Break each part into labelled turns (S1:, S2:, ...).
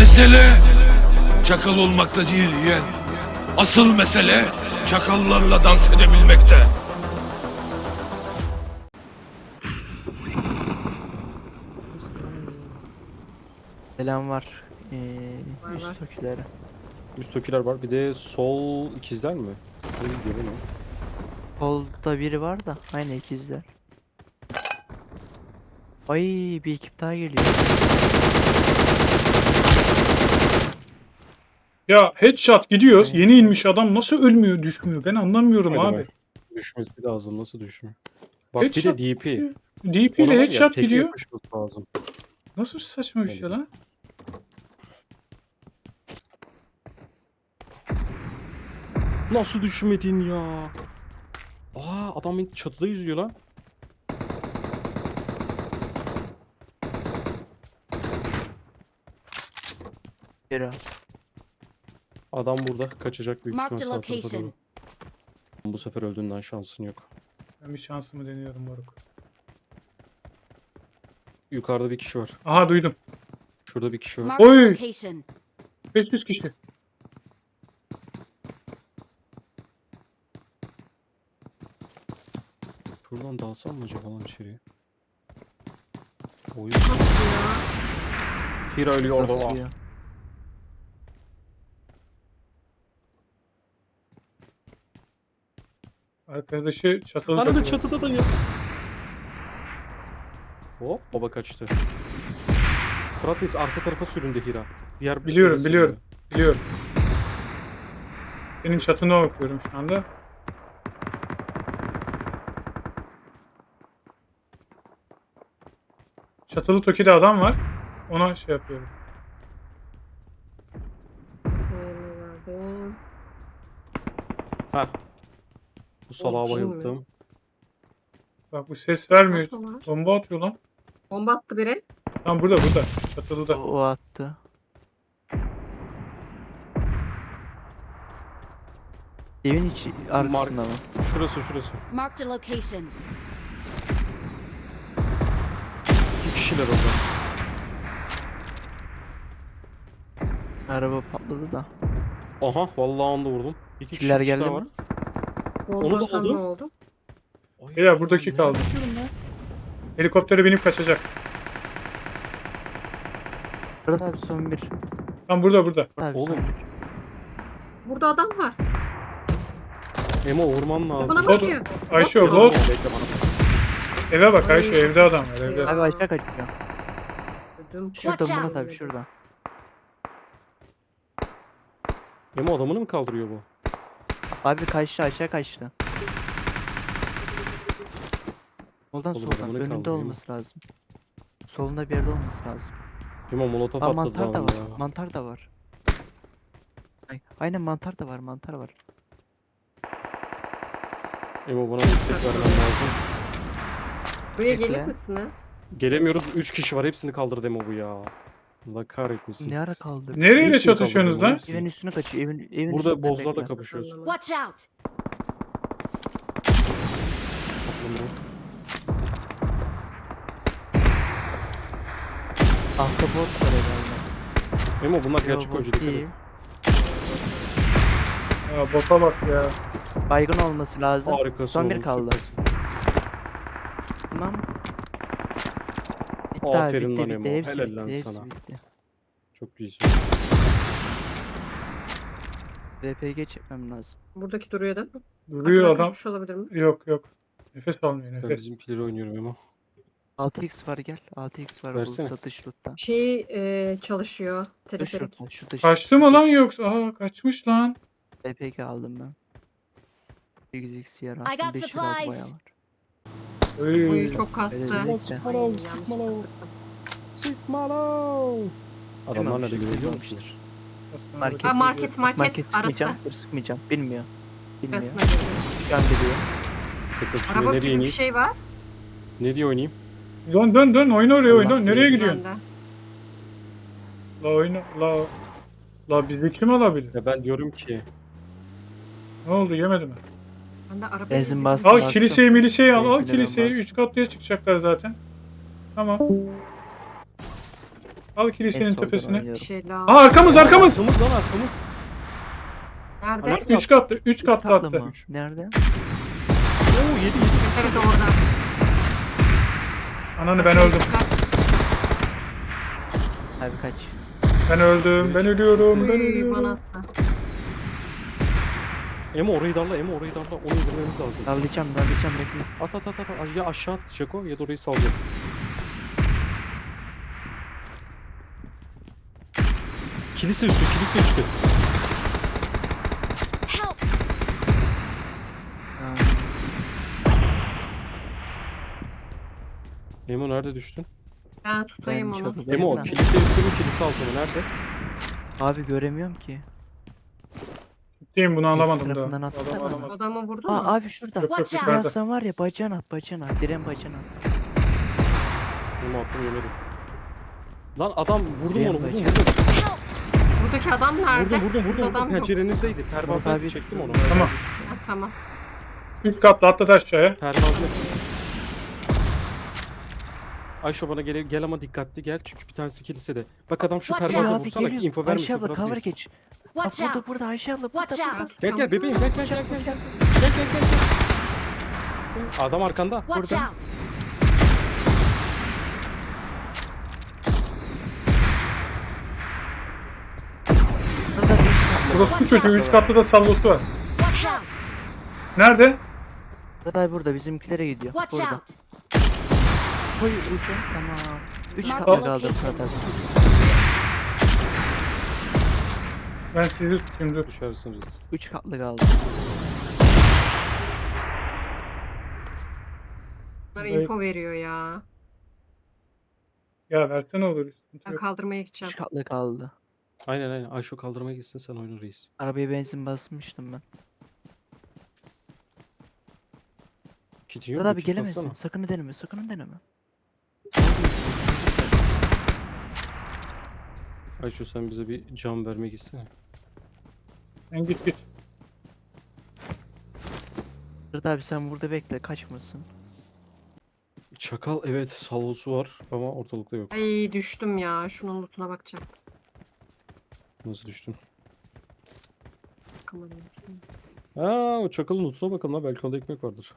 S1: Mesele çakal olmakta değil yeğen. Asıl mesele çakallarla dans edebilmekte.
S2: Selam var.
S3: Var.
S2: Üst tokilere.
S4: Üsttekiler var. Bir de sol ikizler mi? Ne gidiyor lan o?
S2: Solda biri var da aynı ikizler. Ay, bir ekip daha geliyor.
S5: Ya headshot gidiyoruz.
S2: Evet.
S5: Yeni inmiş adam nasıl ölmüyor, düşmüyor? Ben anlamıyorum
S4: Hadi
S5: abi.
S4: be. Düşmesi lazım. Nasıl düşmüyor? Bak bir
S5: Headshot
S4: de DP.
S5: DP
S4: Ona
S5: ile
S4: var ya,
S5: headshot
S4: teke
S5: gidiyor.
S4: yapışması lazım.
S5: Nasıl saçma bir şey lan?
S4: Nasıl düşmedin ya? Adam beni çatıda yüzüyor lan.
S2: Biri.
S4: Adam burada kaçacak büyük
S3: Marked
S4: ihtimal
S3: a
S4: sağ tarafa
S3: location.
S4: doğru. Bu sefer öldüğünden şansın yok.
S5: Ben bir şansımı deniyorum moruk.
S4: Yukarıda bir kişi var.
S5: Aha duydum.
S4: Şurada bir kişi var.
S3: Marked a
S5: Oy!
S3: location.
S5: 500 kişi.
S4: Şuradan dalsam mı acaba lan içeriye? Oy. Hira ölüyor orada.
S2: Kasıyor.
S5: Arkadaşı çatılı
S4: Arada
S5: takılıyor.
S4: çatıda da ya. Hop baba kaçtı. Fratis arka tarafa süründü Hira. Diğer
S5: Biliyorum,
S4: yere
S5: biliyorum.
S4: süründü.
S5: Biliyorum. Senin çatına bakıyorum şu anda. Çatılı Toki'de adam var. Ona şey yapıyorum.
S3: Sevmelerdim.
S4: Heh. Bu salağa
S3: Bozcun mu?
S4: bayıldım.
S5: Bak bu ses vermiyor.
S3: Atma var.
S5: Bomba atıyor lan.
S3: Bomba attı biri.
S5: Tam burada. Çatılıda.
S2: O attı. Evin içi arkasında mı?
S4: Şurası.
S3: Marked a location.
S4: İki kişiler orada.
S2: Araba patladı da.
S4: Aha vallahi onu da vurdum. İki
S2: Killer
S4: kişi
S2: geldi
S4: daha
S2: mi?
S4: var.
S3: Bomba
S4: Onu da
S3: atan
S4: aldım.
S3: ne oldu?
S4: Ay,
S5: Beyler, buradaki
S4: ne
S5: kaldı.
S4: yapıyorum lan?
S5: Helikoptere binip kaçacak.
S2: Burada abi son bir.
S5: Tam burada.
S2: Abi
S4: Oğlum.
S2: son bir.
S3: Burada adam var.
S4: Emo vurman lazım.
S3: Bana
S5: O da-
S3: bakıyor.
S5: Ayşe o
S3: Bakıyor.
S5: bot.
S4: Bekle bana.
S5: Eve bak Ayşe,
S3: Ay.
S5: evde adam var evde.
S2: Abi aşağı kaçıyor.
S3: Ödüm
S2: Şurada
S3: patladı.
S2: Murat abi şurada.
S4: Emo adamını mı kaldırıyor bu?
S2: Abi kaçtı, aşağı kaçtı. Soldan
S4: Oğlum,
S2: soldan
S4: adamını
S2: önünde
S4: kaldırıyor mu?
S2: olması lazım. Solunda bir yerde olması lazım.
S4: Emo molotof
S2: Aa,
S4: atladı
S2: mantar da
S4: lan
S2: var.
S4: ya.
S2: Mantar da var. Aynen mantar da var. Mantar var.
S4: Emo bana destek vermen lazım.
S3: Buraya
S2: Bekle.
S3: gelir misiniz?
S4: Gelemiyoruz. 3 kişi var. Hepsini kaldırdı Emo bu ya. Allah kahretmesin.
S2: Ne ara kaldı?
S5: Nereyle
S4: Hepsini
S5: çatışıyorsunuz
S4: kaldırdı
S5: lan?
S4: hepsini.
S2: Evin üstüne kaçıyor. Evin
S4: Burada
S2: üstünde
S4: bozlarla
S2: bekle.
S4: kapışıyoruz.
S3: Anlamadım. Watch out.
S2: Ahtapot var herhalde.
S4: Emo bunlar
S2: Yo,
S4: gerçek
S2: bot
S4: oyuncu dikkat
S2: değil.
S4: et.
S5: Ya bota bak ya.
S2: Baygın olması lazım.
S4: Harikasın
S2: Son bir
S4: oğlum,
S2: kaldı.
S4: süpersin.
S2: Tamam. Bitti abi,
S4: Aferin
S2: bitti
S4: lan
S2: bitti.
S4: Emo,
S2: Hepsi
S4: helal lan
S2: bitti. Hepsi
S4: sana.
S2: bitti.
S4: Çok iyisin.
S2: RPG çekmem lazım.
S3: Buradaki duruyor değil mi?
S5: Duruyor
S3: Arkadan
S5: adam.
S3: kaçmış olabilir mi?
S5: Yok. Nefes almıyor
S4: Ben
S5: nefes.
S4: bizimkileri oynuyorum Emo.
S2: 6x var gel. 6x var
S4: Versene.
S2: burada dış loot'ta.
S3: Çalışıyor.
S2: Dış
S3: Teleferik.
S2: loot'ta şu dış.
S5: Kaçtı mı lan yoksa? Aa kaçmış lan.
S2: RPG aldım ben. 8x yer
S3: I
S2: attım.
S3: got
S2: 5 lira bayağı
S3: supplies.
S2: var.
S5: Öyle.
S3: Oy çok kastı.
S2: Evet,
S3: Ay,
S2: evet.
S4: Sıkma lan,
S3: yanlışlıkla
S4: sıkma lan.
S3: sıktım.
S4: Sıkma lan. Adamlar nerede görüyor
S2: Görüyormuştur.
S4: musunuz?
S2: Market.
S3: Ha, market
S2: Market
S3: arası.
S2: sıkmayacağım. Dur sıkmayacağım. Bilmiyor.
S3: Arasına
S2: Bilmiyor.
S3: girdi.
S2: Şu an biliyor.
S4: Tekrar şuraya
S3: Araba
S4: nereye
S3: gibi bir
S4: ineyim?
S3: şey var.
S4: Ne diye oynayayım?
S5: Dön oyna oraya oyna.
S2: Allah
S5: Nereye
S2: seni.
S5: gidiyorsun?
S3: Bende.
S5: La oyna la bizi kim alabilir?
S4: Ya ben diyorum ki
S5: Ne oldu yemedi mi?
S3: Bende araba
S2: Benzin
S3: izi
S2: bastım.
S3: var.
S5: Al kiliseyi al
S2: Benzinle ben
S5: kiliseyi
S2: bastım.
S5: 3 katlıya çıkacaklar zaten. Tamam. Al
S2: En
S5: kilisenin
S2: soldan
S5: tepesine.
S3: Bir
S2: oynuyorum.
S3: şey daha.
S5: Aa arkamız arkamız.
S4: Arkamız lan arkamız.
S3: Nerede?
S4: Alarm-
S5: 3 katlı 3 katlı
S2: Tatlı
S5: attı.
S2: mı? Nerede?
S4: Oo 7 7.
S3: Evet orada.
S5: Ananı ben öldüm.
S2: Abi kaç.
S5: Ben öldüm. Ben ölüyorum. Ben
S3: Uy, bana
S5: ölüyorum.
S3: attı.
S4: Emo orayı darla, Emo orayı darla. Onu indirmemiz lazım.
S2: Darlayacağım bekle.
S4: At. Ya aşağı at Şako ya da orayı salacak. Kilise üstü.
S6: Help!
S2: Aa,
S4: Emo nerede düştün?
S3: Ben tutayım
S2: Ben
S3: onu.
S2: çok-
S4: Emo
S2: Nerede?
S4: kilise üstü mü kilise altı mı? Nerede?
S2: Abi göremiyorum ki.
S5: Ciddiyim bunu alamadım
S2: tarafından
S5: daha.
S2: atsana.
S5: Alamadım.
S3: Adamı vurdu mu?
S2: Aa abi şurada.
S5: Yok yok
S6: Watch out.
S5: yukarıda.
S2: Yazsan var ya bacağına at. Diren bacağına at.
S4: Emo attım yemedim. Lan adam vurdum
S2: Benim
S4: onu vurdum.
S2: bacağım.
S6: Help!
S3: Buradaki adam nerede?
S4: Vurdum.
S3: Burada adam yok.
S4: Pencerenizdeydi.
S2: Murat
S4: Pervazdan
S2: abi-
S4: çektim onu.
S5: Tamam.
S3: Ha, tamam.
S5: 3 katlı atladı aşağıya.
S4: Pervazlı. Ayşe bana gel ama dikkatli gel çünkü bir tanesi kilisede. Bak adam şu
S6: Watch
S4: pervaza
S6: out.
S2: Abi
S4: vursana
S2: geliyor.
S4: info
S2: Ayşe
S4: vermesin
S2: abla
S4: Fırat
S2: cover
S4: Reis.
S2: geç. Bak
S6: Watch out!
S2: burada Ayşe abla
S6: Watch
S2: burada.
S6: out!
S4: Gel bebeğim gel. Adam arkanda.
S6: Watch
S2: Burada.
S6: out!
S2: Burada bir katlı.
S5: Burası bu çocuğu 3 katlı da salvosu var.
S6: Watch out!
S5: Nerede?
S2: Burada burada bizimkilere gidiyor.
S6: Watch
S2: Burada.
S6: out!
S2: Koy ucu. Tamam. 3
S6: Mark
S2: katlı
S6: the
S2: kaldı
S6: location.
S2: Fırat abi.
S5: Ben sizi tutayım dur.
S4: Düşersiniz.
S2: 3 katlı kaldı.
S3: Bunlar info veriyor ya.
S5: Ya versene olur. Sıkıntı
S3: Ben
S5: yok.
S3: kaldırmaya gideceğim.
S2: 3 katlı kaldı.
S4: Aynen. Ayşe kaldırmaya gitsin sen oyna reis.
S2: Arabaya benzin basmıştım ben.
S4: Kitin yok
S2: Fırat
S4: mu?
S2: abi
S4: Kit
S2: gelemezsin.
S4: bassana.
S2: Sakın deneme.
S4: Ayşe sen bize bir cam vermek istene.
S5: Sen git.
S2: Fırat abi sen burada bekle kaçmasın.
S4: Çakal evet salvosu var ama ortalıkta yok.
S3: Ay düştüm ya. Şunun lootuna bakacağım.
S4: Nasıl düştün?
S3: Bakamadım.
S4: Aa o çakalın lootuna bakalım lan belki onda ekmek vardır.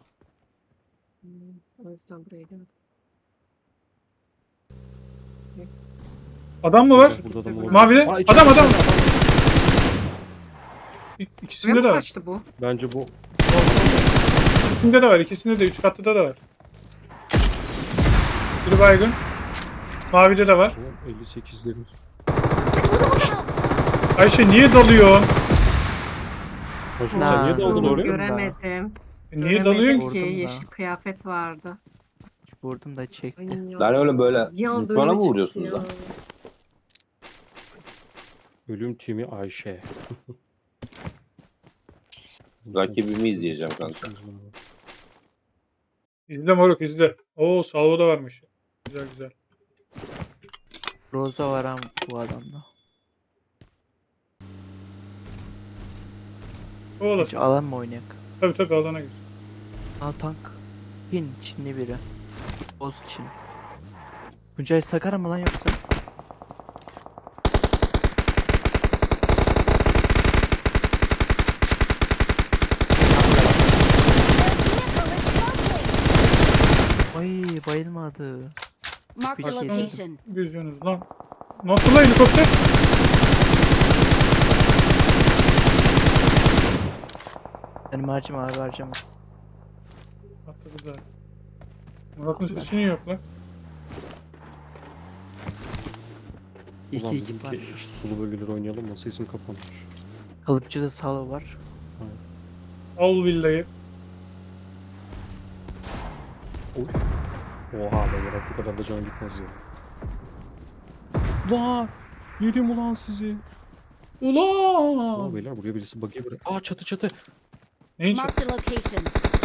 S3: O yüzden buraya geldim.
S5: Adam mı var?
S4: Burada adam olabilir.
S5: Mavide.
S4: Aa, içeride.
S5: Adam.
S3: Buraya
S5: İkisinde
S3: mı
S5: de var.
S3: kaçtı bu?
S4: Bence bu
S5: İkisinde de var. İkisinde de 3 katlıda da var. Biri baygın. Mavide de var.
S4: 58'lerin.
S5: Ayşe niye dalıyor?
S4: Hocam sen niye
S2: Lan,
S4: daldın
S2: dur,
S4: oraya?
S3: Göremedim.
S5: Niye
S3: Göremedim
S5: dalıyorsun
S2: Vurdum
S3: ki.
S2: da.
S3: Yeşil kıyafet vardı.
S2: Vurdum da çekti.
S3: Ay ya.
S7: Lan oğlum böyle
S3: Bir anda
S7: mutfağına mı
S3: önüme
S7: vuruyorsunuz
S3: çıktı
S7: lan?
S3: ya.
S4: Ölüm timi Ayşe.
S7: Rakibimi izleyeceğim kanka.
S5: İzle moruk izle. Oo salvo da varmış. Güzel.
S2: Roza var ama bu adamda.
S5: O
S2: Hiç
S5: olasın.
S2: alan mı oynayak?
S5: Tabii alana gir.
S2: Aa tank. Çinli biri. Boz Çin. Tuncay Sakara mı lan yoksa? Ay bayılmadı.
S6: Mark the
S2: Peki.
S6: location.
S5: Gözünüz lan. Nasıl lan helikopter?
S2: Benim harcama abi harcama.
S5: Atladı zaten. Murat'ın sesi niye yok lan?
S2: İki
S4: Ulan
S2: ekip var.
S4: dedim ki şu sulu bölgeleri oynayalım mı? Sesim kapanmış.
S2: Kalıpçıda Salo var.
S5: Al villayı.
S4: Oy. Oha be bırak bu kadar da can gitmez ya. Lan! Yedim ulan sizi. Aa
S5: Ulan!
S4: beyler buraya birisi bakıyor böyle. Aa çatı.
S5: Neyin
S6: Mark the location.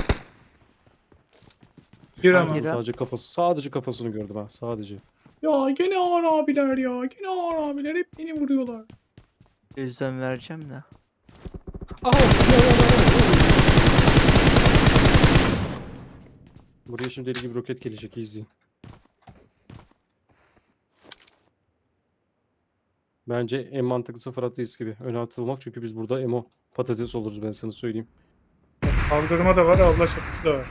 S5: Bir ama.
S2: Gir.
S4: Sadece kafasını gördüm ha sadece.
S5: Ya gene ağır abiler ya. Gene ağır abiler hep beni vuruyorlar.
S2: Gözden vereceğim de.
S4: Buraya şimdi deli gibi roket gelecek izleyin. Bence en mantıklısı Fırat Reis gibi. Öne atılmak çünkü biz burada emo patates oluruz ben sana söyleyeyim.
S5: Kaldırma da var, abla çatısı da var.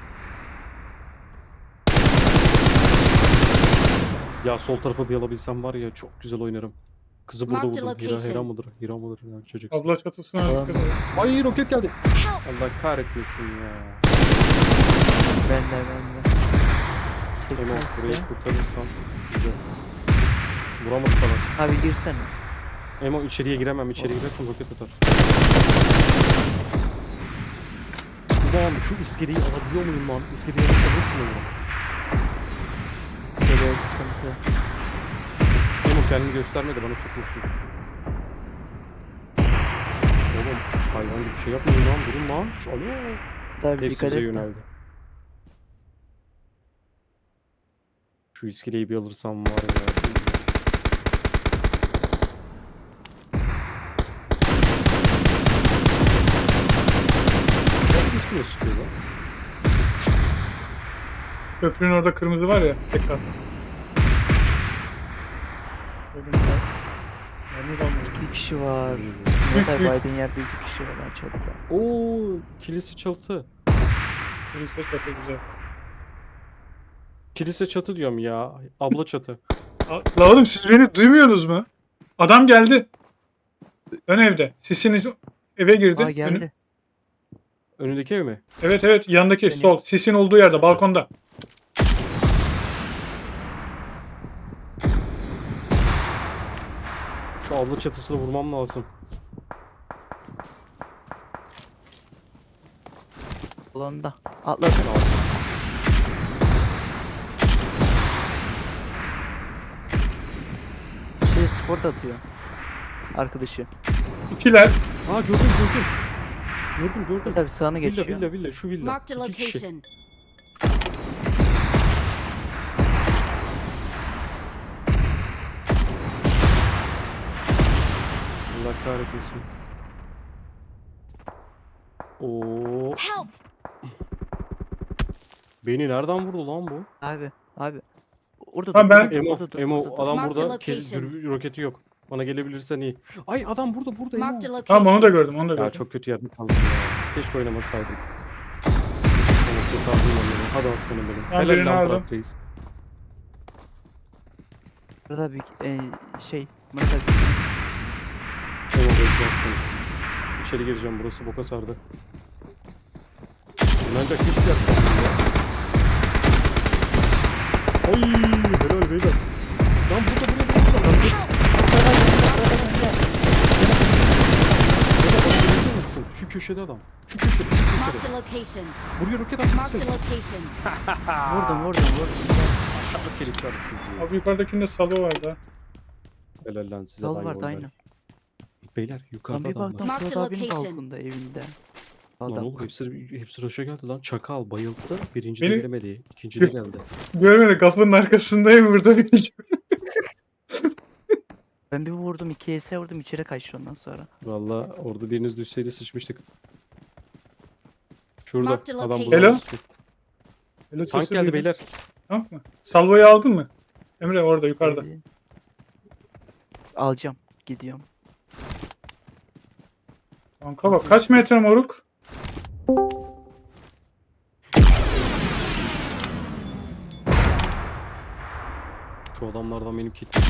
S4: Ya sol tarafa bir alabilsem var ya çok güzel oynarım. Kızı burada
S6: Marked
S4: buldum. Hira
S6: location.
S4: mıdır? Hira mıdır? Ya, çocuk.
S5: Abla çatısına
S2: Tamam.
S5: dikkat edin.
S4: Ay roket geldi.
S6: Help!
S4: Allah kahretmesin ya.
S2: Ben de.
S4: Emo
S2: Tekmez
S4: burayı
S2: ya.
S4: kurtarırsam güzel. Vuramadı sana.
S2: Abi girsene.
S4: Emo içeriye giremem. İçeri girersem roket atar. Ulan şu iskeleyi alabiliyor muyum lan? İskeleyi alabiliyorsun Emo.
S2: İskele sıkıntı.
S4: Emo kendini gösterme de bana sıkmasın. Oğlum hayvan gibi bir şey yapmayın lan. Durun lan. Şu alo.
S2: Daha bir
S4: Hepsi
S2: dikkat
S4: bize
S2: et de.
S4: yöneldi. Şu iskeleyi bir alırsam var ya. Ya iskele sıkıyor lan.
S5: Köprünün orada kırmızı var ya. Tekrar. Öyle güzel. Mermi kalmıyor.
S2: 2 kişi var.
S5: Büyük,
S2: Murat abi
S5: büyük.
S2: Biden yerde 2 kişi var ben çatıda.
S4: Oo, kilise çatı.
S5: Birisi de çatı güzel.
S4: Kilise çatı diyorum ya. Abla çatı.
S5: La oğlum siz beni duymuyorsunuz mu? Adam geldi. Ön evde. Sis'in eve girdi.
S2: Aa geldi.
S4: Önündeki ev mi?
S5: Evet evet yandaki
S2: Beni-
S5: sol. Sis'in olduğu yerde balkonda.
S4: Şu abla çatısını vurmam lazım.
S2: Alanda. Atladı. Şey sport atıyor. Arkadaşı.
S5: İkiler.
S4: Aa gördüm. Gördüm.
S2: Tabii sağına
S4: Villa
S2: geçiyor.
S4: villa şu villa.
S6: Marked a
S4: 2 kişi.
S6: location.
S4: Allah kahretmesin. Oo,
S6: Help!
S4: beni nereden vurdu lan bu?
S2: Abi. Orada
S5: Tamam,
S2: dur,
S5: ben-
S2: orada dur,
S4: Emo,
S2: orada dur,
S4: Emo
S2: orada dur.
S4: adam
S6: Mark
S4: burada.
S6: the location.
S4: Roketi yok. Bana gelebilirsen iyi. Ay adam burada Emo.
S6: Marked a location.
S5: Tamam onu da gördüm onu da
S4: Ya
S5: gördüm.
S4: çok kötü yerde kaldım ya. Keşke oynamasaydım. Ama kurtardım onu. Hadi aslanım benim.
S5: Ben
S4: Helal
S5: birini
S4: lan
S5: aldım.
S4: Fırat Reis.
S2: Burada bir şey. Murat abi.
S4: Emo bekle aslanım. İçeri gireceğim burası boka sardı. Ancak hiçbir yaklaşım ya. Ay helal beyler. Lan burada. Musun? Şu köşede adam. Şu köşede.
S6: Marked a location.
S4: Buraya roket
S6: Marked
S4: atmışsın.
S6: a location.
S2: Vurdum.
S4: Aşağıda kelikler sizi.
S5: Abi yukarıdakinde Salo vardı.
S4: Helal lan size.
S2: Sal
S4: lan
S2: vardı
S4: yollar.
S2: aynı.
S4: Beyler
S2: Lan
S4: yukarıda
S2: bir
S4: adamlar.
S2: baktım
S6: Mark
S2: Murat
S6: the
S2: abinin
S6: location.
S2: balkonda evinde.
S4: Lan
S2: Adam.
S4: oğlum hepsi Roş'a geldi lan. Çakal bayıldı. Birinci
S5: Beni-
S4: de gelemedi. İkinci de geldi.
S5: Görmedi kapının arkasındayım burada.
S2: Ben bir vurdum 2 ES vurdum içeri kaçtı ondan sonra.
S4: Valla orada biriniz düşseydi sıçmıştık. Şurada
S6: Mark the
S4: adam
S6: location.
S4: burada.
S5: Hello?
S4: sıkıyor.
S5: Öyle
S4: Tank
S5: sesi
S4: geldi
S5: duydum.
S4: beyler.
S5: Tamam mı? Salvo'yu aldın mı? Emre orada yukarıda.
S2: Alacağım. Gidiyorum.
S5: Kanka bak kaç metre moruk?
S4: Şu adamlardan benim kitim.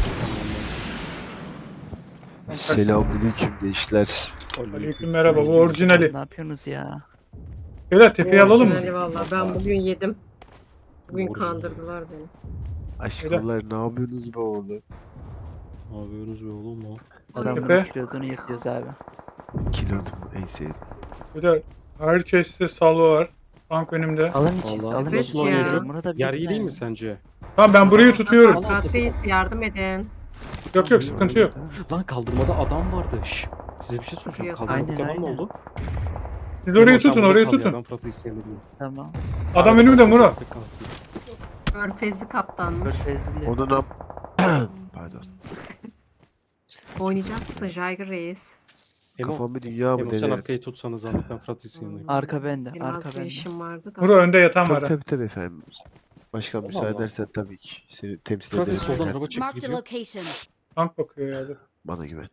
S8: Selamünaleyküm gençler.
S5: Aleyküm merhaba bu orijinali.
S2: Ne yapıyorsunuz ya?
S5: Beyler tepeyi alalım mı?
S3: Orijinali valla. Ben bugün yedim. Bugün
S4: Orijinal.
S3: kandırdılar beni.
S8: Aşkolar ne yapıyorsunuz be oğlum?
S4: Ne yapıyorsunuz be oğlum lan?
S2: Adamların
S5: Tepe.
S2: kilodunu yırtıyoruz abi.
S8: Kilodum en sevdiğim.
S5: Beyler herkeste Salvo var. Tank önümde.
S2: Alın içiz,
S4: Vallahi
S2: alın
S3: Evet
S2: içiz.
S3: ya.
S4: oynuyor.
S2: Murat abi
S4: Yer iyi
S2: gitme
S4: değil
S2: ya.
S4: mi sence?
S5: Tamam ben burayı tutuyorum.
S3: Fırat Reis yardım edin.
S5: Yok yok sıkıntı yok.
S4: Lan kaldırmada adam vardı. Şşş. Size bir şey soracağım.
S3: Yok.
S4: Kaldırmadaki
S2: Aynen,
S4: adam ne
S2: aynen.
S4: oldu?
S5: Siz orayı
S4: Emo, sen
S5: tutun
S4: burada
S5: orayı
S4: kal ya,
S5: tutun.
S4: Ben Fırat'ı isteyebilirim.
S2: Tamam.
S5: Adam önümde Murat.
S3: Körfezli kaptanmış.
S2: Körfezli.
S8: Onu ne Pardon.
S3: Oynayacak mısın Jaygır Reis?
S4: Emo,
S8: Kafam bir dünya mı
S4: Emo sen
S8: neler?
S4: arkayı tutsanız zahmet ben Fırat'ı isteyeyim.
S2: Arka bende.
S3: Benim
S2: Arka
S3: az bir
S2: bende.
S3: işim vardı da.
S5: Murat önde yatan var.
S8: Tabii
S5: ha.
S8: tabii efendim. Başkan müsaade
S4: Allah.
S8: edersen tabii ki seni temsil
S4: Fırat'ı
S8: ederim.
S4: soldan
S8: Ben.
S4: araba çekti
S6: Marked a
S4: gidiyor.
S6: location.
S5: Tank bakıyor ya.
S8: Bana güven.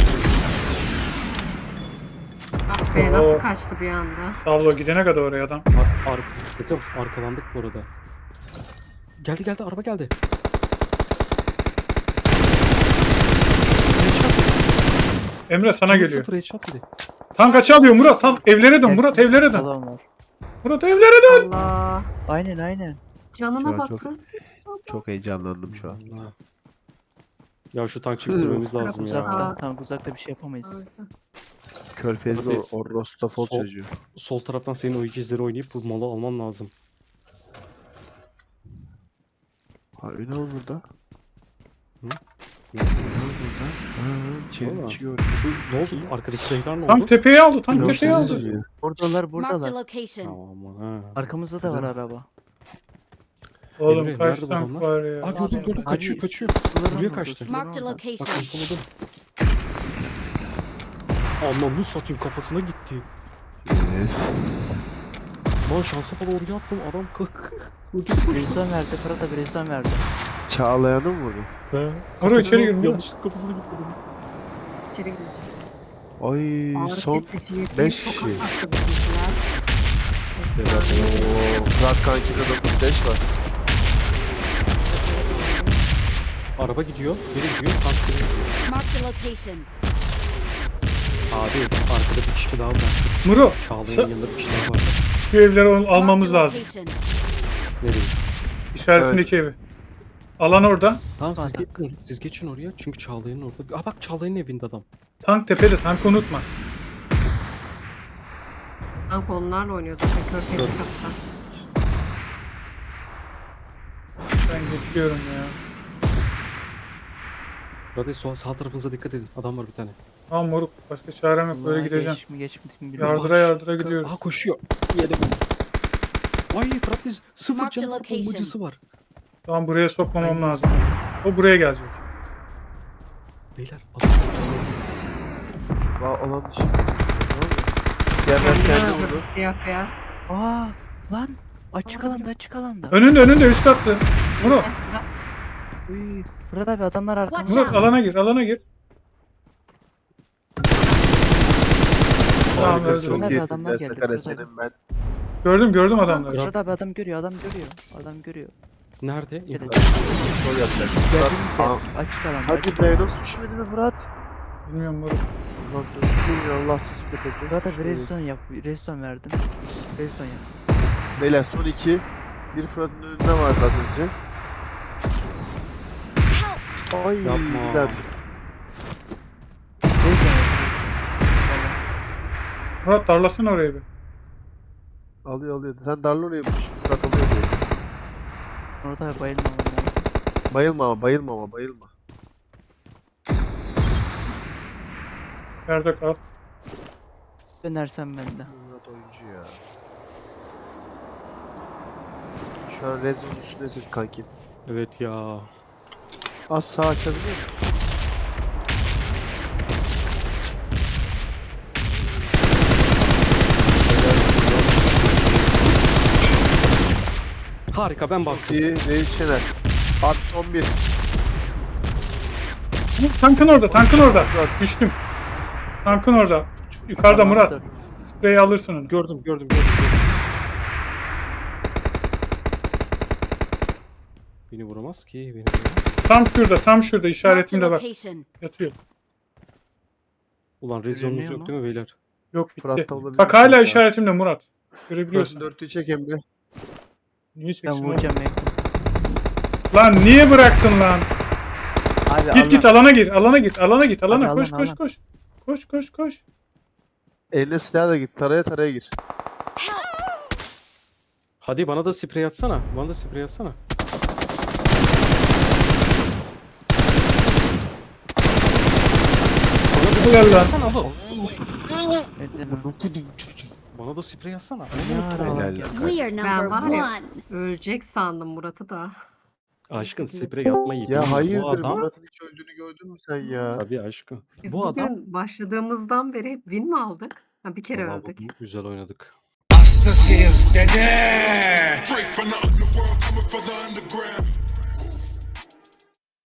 S3: Ah be
S5: Oo.
S3: nasıl kaçtı bir anda.
S5: Savlo gidene kadar oraya adam.
S4: Bakın arkalandık bu arada. Geldi araba geldi.
S5: Emre sana
S4: Canı
S5: geliyor.
S4: sıfır headshot dedi.
S5: Tank açı alıyor Murat. Tam evlere dön. Murat
S2: Gelsin.
S5: evlere dön.
S2: Adam var.
S5: Murat evlere dön.
S3: Allah.
S2: Aynen.
S3: Canına
S8: Şu an
S3: bak.
S8: çok-
S3: Fırat.
S8: Çok heyecanlandım şu an.
S4: Allah. Ya şu tank çektirmemiz lazım ya.
S2: Uzakta. Tam uzakta bir şey yapamayız.
S8: Körfez'de
S4: Buradayız.
S8: o Rostofol
S4: Sol.
S8: çocuğu.
S4: Sol taraftan senin o ikizleri oynayıp bu malı alman lazım.
S8: Harbi ne oldu burada?
S4: Hı?
S8: Ne oldu burada? Ha, çevrim
S4: Valla.
S8: çıkıyor.
S4: Şu ne oldu? Arkadaki zayıflar ne oldu?
S5: Tank tepeyi aldı. Tank
S8: Yok,
S5: tepeyi
S8: siz
S5: aldı.
S8: izliyor.
S2: Buradalar
S6: Marked a
S2: buradalar.
S6: location.
S4: Tamam ha.
S2: Arkamızda da var araba.
S5: Oğlum
S4: Emre,
S5: kaç
S4: nerede bu
S5: tank
S4: adamlar?
S5: var ya.
S4: Aa gördüm kaçıyor. Buraya kaçtı.
S6: Marked a
S4: Bak
S6: location.
S4: yakaladım. Anlamlı satayım kafasına gitti.
S8: Evet.
S4: Lan şansa falan oraya attım adam
S2: Rezon verdi. Fırat'a bir rezon verdi.
S8: Çağlayan'ı mı vurdu?
S5: Murat içeri gir. Murat.
S4: Yanlışlıkla kafasına gitti.
S3: İçeri girecek.
S8: Ay
S3: Ağrı
S8: son
S3: kesici yediği
S8: beş
S3: çok
S8: kişi.
S3: attı bizimkiler.
S8: Oo, Fırat kankide 9-5 var.
S4: Araba gidiyor. Nereye gidiyor? Tank gidiyor.
S6: Marked a location.
S4: Abi arkada bir kişi daha var.
S5: Murat.
S4: Çağlayan'ın yanında bir kişi daha var.
S5: Şu evleri almamız
S6: Marked a
S5: lazım.
S6: location.
S4: Nereye?
S5: İşaretindeki evi. Alan orada.
S4: Tamam siz
S2: Tank.
S4: geçin, siz geçin oraya çünkü Çağlayan'ın orada. Aa bak Çağlayan'ın evinde adam.
S5: Tank tepede. Tankı unutma.
S3: Tank onlarla oynuyor zaten. Körfez'i kaptan.
S5: Ben geçiyorum ya.
S4: Radyo sağ tarafınıza dikkat edin. Adam var bir tane.
S5: Tamam moruk. Başka çarem yok. Böyle gideceğim.
S2: Geçmedik mi bilmiyorum.
S5: Yardıra gidiyoruz.
S4: Aa koşuyor. Yere bak. Ay Fırat sıfır
S6: Marked
S4: canı var.
S6: location.
S4: Bombacısı var.
S5: Tamam buraya sokmamam lazım. O buraya gelecek.
S4: Beyler adam
S8: Alan dışı. Gelmez kendi vurdu.
S3: Siyah beyaz.
S2: Aa lan. Açık alanda.
S5: Önünde üst kattı. Murat.
S2: Uy, Fırat abi adamlar arkamızda.
S6: Watch
S5: Murat alana gir. Tamam
S8: Harikasın.
S5: öldü.
S8: Çok
S2: Nerede
S8: iyi.
S2: adamlar geldi?
S8: Sakarya
S2: Burada.
S8: senin ben.
S5: Gördüm adamları.
S2: Fırat abi adam görüyor.
S4: nerede?
S2: Evet.
S8: Sol yapacak.
S2: Geldiğimiz
S8: Tamam.
S2: yer açık alanda.
S8: Hadi be nasıl düşmedi mi Fırat?
S5: Bilmiyorum Murat.
S8: Ulan düştü ya Allahsız köpek. nasıl
S2: Fırat abi
S8: düşmedi?
S2: rezon verdim. Rezon yap.
S8: Beyler son 2. Bir Fırat'ın önünde vardı az önce. Ay
S4: Yapma.
S8: bir daha düştü.
S2: Rezon yap.
S5: Murat darlasana oraya bir.
S8: Alıyor. Sen darla oraya bir Fırat alıyor diye.
S2: Murat abi bayılma ondan.
S8: Bayılma ama bayılma.
S5: Nerede kal?
S2: Dönersem ben de.
S8: Murat oyuncu ya. Şu an red zone üstündesin kanki.
S4: Evet ya.
S8: Az sağ açabiliyor musun?
S4: Harika ben bastım.
S8: İyi Reis Şener. Abi son 1.
S5: Tankın orada.
S8: Murat.
S5: Düştüm. Tankın orada. Yukarıda
S2: Tamam,
S5: Murat.
S2: dur.
S5: Spreyi alırsın onu.
S4: Gördüm. Beni vuramaz ki.
S5: Tam şurada
S6: Marked a
S5: işaretimde bak.
S6: location.
S5: Yatıyor.
S4: Ulan rezonunuz
S2: Görünüyor
S4: yok
S2: mu?
S4: değil mi beyler?
S5: Yok bitti.
S8: Fırat da olabilir.
S5: Bak hala
S8: Fırat.
S5: işaretimde Murat. Görebiliyorsun.
S8: Fırat'ın 4'lüğü çek Emre.
S5: Niye
S2: Ben
S5: çeksin oğlum?
S2: vuracağım ya.
S5: Lan niye bıraktın lan?
S2: Abi
S5: Git alana gir. Alana
S2: Hadi
S5: koş.
S8: Eline silah da git. Taraya gir.
S4: Hadi bana da sprey atsana. Bana da
S5: Helal lan.
S4: Bana da sprey atsana.
S8: Helal lan.
S6: We are number
S3: var ya-
S6: one.
S3: Ölecek sandım Murat'ı da.
S4: Aşkım sprey atmayı.
S8: Ya
S4: Bu
S8: hayırdır
S4: adam.
S8: Murat'ın hiç öldüğünü gördün mü sen ya?
S4: Tabii aşkım.
S3: Biz
S4: Bu
S3: bugün
S4: adam.
S3: başladığımızdan beri hep win mi aldık? Ha, bir kere
S4: Vallahi
S3: öldük.
S4: bugün güzel oynadık.
S1: Hastasıyız dede.
S9: Straight from the underworld, coming from the underground.